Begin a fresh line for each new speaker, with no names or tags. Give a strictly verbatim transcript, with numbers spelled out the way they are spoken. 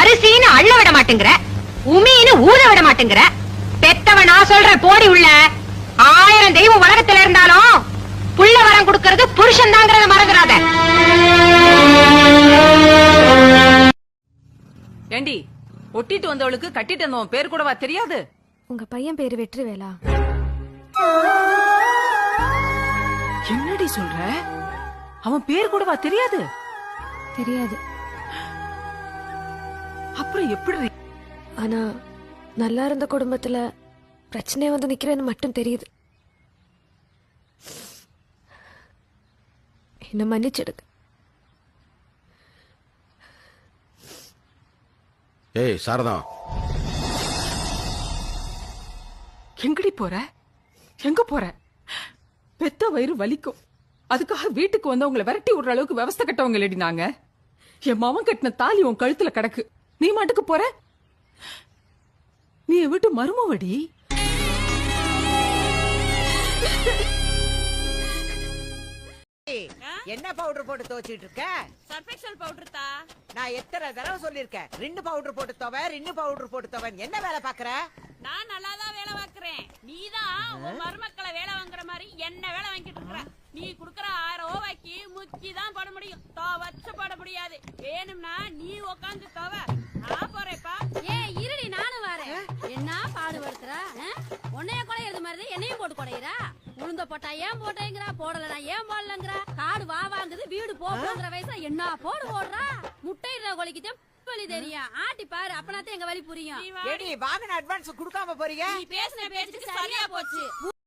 அரிசின்னு அள்ள விட மாட்டேங்கிற, உமின்னு ஊத விட மாட்டேங்கிற. பெத்தவன் நான் சொல்ற போடி உள்ள. ஆயிரம் தெய்வம் உலகத்துல இருந்தாலும் புள்ள வரம் கொடுக்கறது புருஷன் தாங்கிறத மறந்துடாத.
ஏண்டி, ஒட்டிட்டு வந்தவளுக்கு கட்டிட்டு வந்தவன் பேர் கூடவா தெரியாது?
உங்க பையன் பேரு வெற்றிவேலா.
என்னடி சொல்ற? அவன் பேர் கூடவா தெரியாது?
தெரியாது.
அப்புறம் எப்படி?
ஆனா நல்லா இருந்த குடும்பத்துல பிரச்சனை வந்து நிக்கிறேன்னு மட்டும் தெரியுது. என்ன மன்னிச்சிடுங்க.
ஏய் சாரதா,
எங்கடி போற? எங்க போற? பெத்த வயிறு வலிக்கும். அதுக்காக வீட்டுக்கு வந்து உங்களை விரட்டி விடுற அளவுக்கு விவஸ்தை கட்டவங்க இல்லடி நாங்க. என் மாமன் கட்டின தாலி உன் கழுத்துல கிடக்கு. நீ மாட்டுக்கு போற? நீ வீட்டு மருமவடி.
என்ன பவுடர் போட்டு துவைச்சிட்டு இருக்க?
சர்ஃபெக்சல் பவுடர் தா.
நான் எத்தனை தடவை சொல்லிருக்கேன், ரெண்டு பவுடர் போட்டு துவை, ரெண்டு பவுடர் போட்டு துவை. என்ன வேலை பாக்குற?
நான் நல்லாதான் வேலை பாக்குறேன். நீதான் உன் மருமக்களை வேலை வாங்குற மாதிரி என்ன வேலை வாங்கிட்டு இருக்க. நீ குடுக்கற ஆயிரம் ரூபாய்க்கு முக்கி தான் போட முடியும், துவச்சு போட முடியாது. வேணும்னா நீ உக்காந்து துவை, நான் போறேப்பா.
ஏ இருடி, நானும் வரேன். என்ன பாடுபடுத்துற? உன்னைய குடையிறது மாதிரி என்னையும் போட்டு குடையிறா. உளுந்த போட்டா ஏன் போட்டேங்கிறா, போடலனா ஏன் போடலங்கிறா. காடு வா வாங்குது, வீடு போக்குற வயசுல என்ன போடு போடுறா. முட்டையிற கொலைக்கு வலி தெரியும், ஆட்டி பாரு, அப்பனாத்தான் எங்க வலி புரியும்.
வாங்கின அட்வான்ஸ் குடுக்காம போறீங்க.
நீ பேசின பேச்சுக்கு சரியா போச்சு.